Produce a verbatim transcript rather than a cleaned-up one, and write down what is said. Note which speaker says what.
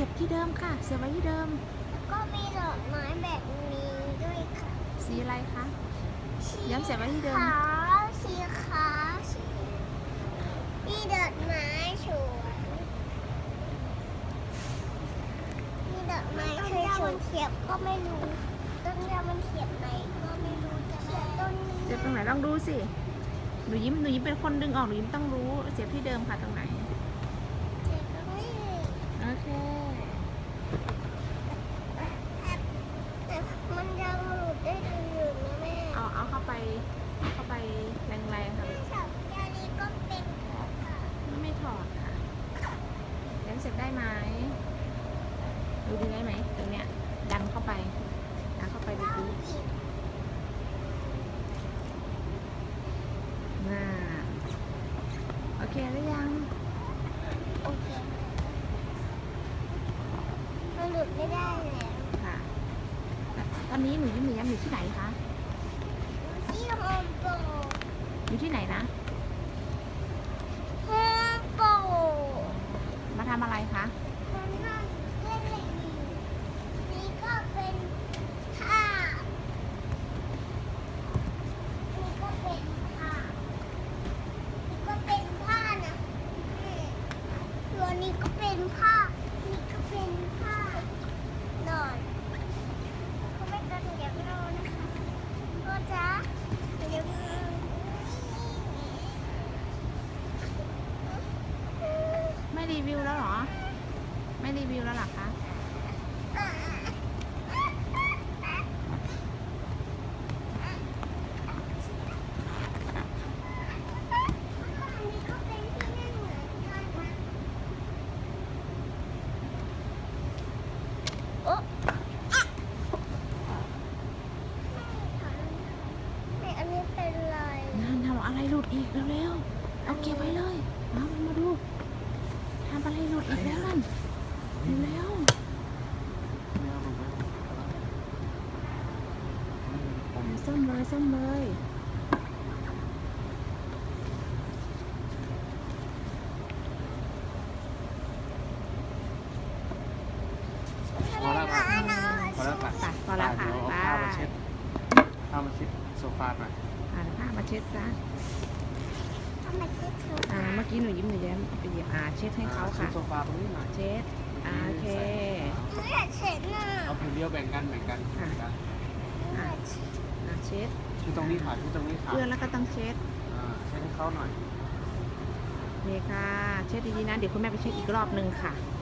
Speaker 1: สียบที่เดิมค่ะ เสียบไว้ที่เดิม
Speaker 2: ก็มีดอกไม้แบบนี้ด้วยค่ะ
Speaker 1: สีอะไรคะย้ำเสียบไว้ที่เดิม
Speaker 2: ขาวสีขาวสีมีดอกไม้สวยมีดอกไม้สวยๆเสียบก็ไม่รู้ต้นเดียวมันเสียบไหนก็ไม่รู้จะเสียบต้นนี้
Speaker 1: เสียบตรงไหนลองดูสิ หนูยิ้มหนูยิ้มเป็นคนดึงออกหนูยิ้มต้องรู้ เสียบที่เดิมค่ะตรงไหน
Speaker 2: เสียบตรงนี้
Speaker 1: โอเค
Speaker 2: แต่มันยังหลุดได้อยู่นะแม่
Speaker 1: เอาเอาเข้าไปเอาเข้าไปแรงๆค่ะ
Speaker 2: แม่สาวแก้วนี้ก็เป็นของค่ะ
Speaker 1: ไม่ถอดค่ะย้ำเสียบได้ไหมดูดีได้ไหมตรงเนี้ยดันเข้าไปดันเข้าไปดูดีน่าโอเคหรือยัง
Speaker 2: โอเคมันหลุดไม่ได้แล้ว
Speaker 1: ค่ะแต่ตอนนี้หนูยิ้มหนูย้ำอยู่ที่ไหนคะ
Speaker 2: ที่โฮมโปร
Speaker 1: อยู่ที่ไหนนะ
Speaker 2: โฮมโปร
Speaker 1: มาทำอะไรคะ
Speaker 2: มันนั่งเล่นเล่นอยู่นี่ก็เป็นผ้านี่ก็เป็นผ้านี่ก็เป็นผ้านะตัวนี้ก็เป็นผ้านี่ก็เป็นผ้าหน่อยเขาไม่กันเดี๋ยวเรานะคะก็จะเดี๋ยว
Speaker 1: ไม่รีวิวแล้วเหรอ ไม่รีวิวแล้วเหรอคะ
Speaker 2: โอ๊ะไม่อันนี้เป็นไร
Speaker 1: นั่นทำอะไรหลุดอีกเร็วๆ เอาเก็บไว้เลยมามาดูทำอะไรหลุดอีกแล้วนั่นเร็วๆซ่อมเลยซ่อมเลย
Speaker 3: พอแล้วค่ะพอแล้วค่ะ
Speaker 1: ไปพอแล้วค่ะ
Speaker 3: เดี๋ยว
Speaker 1: ไป
Speaker 3: เอาผ้ามาเช็ดผ้ามาเช็ดโซฟาหน่อย
Speaker 1: อ่านผ้ามาเช็ดซะ
Speaker 2: ทำไมเช็ดเธอ
Speaker 1: อ่า เมื่อกี้หนูยิ้มหนูแย้มไปหยิบอ่าเช็ดให้เขา
Speaker 3: ช็
Speaker 1: ค่ะ
Speaker 3: ดโซฟาตรงนี้หน่อย
Speaker 1: เช็ดอ่าโอเค
Speaker 2: หนูอยากเช็ดน่ะ
Speaker 3: เอาผืนเดียวแบ่งกันแบ่งกันแบ่งกัน
Speaker 2: หนูอยากเช็ด
Speaker 1: อ่าเช็ด
Speaker 3: ที่ตรงนี้ค่ะที่ตรงนี้ค่ะ
Speaker 1: เพื่อนแล้วก็ต้องเช็ด
Speaker 3: อ่าเช็ดให้เขาหน่อย
Speaker 1: นี่ค่ะ เช็ดดีๆนะ เดี๋ยวคุณแม่ไปเช็ดอีกรอบหนึ่งค่ะ
Speaker 3: อ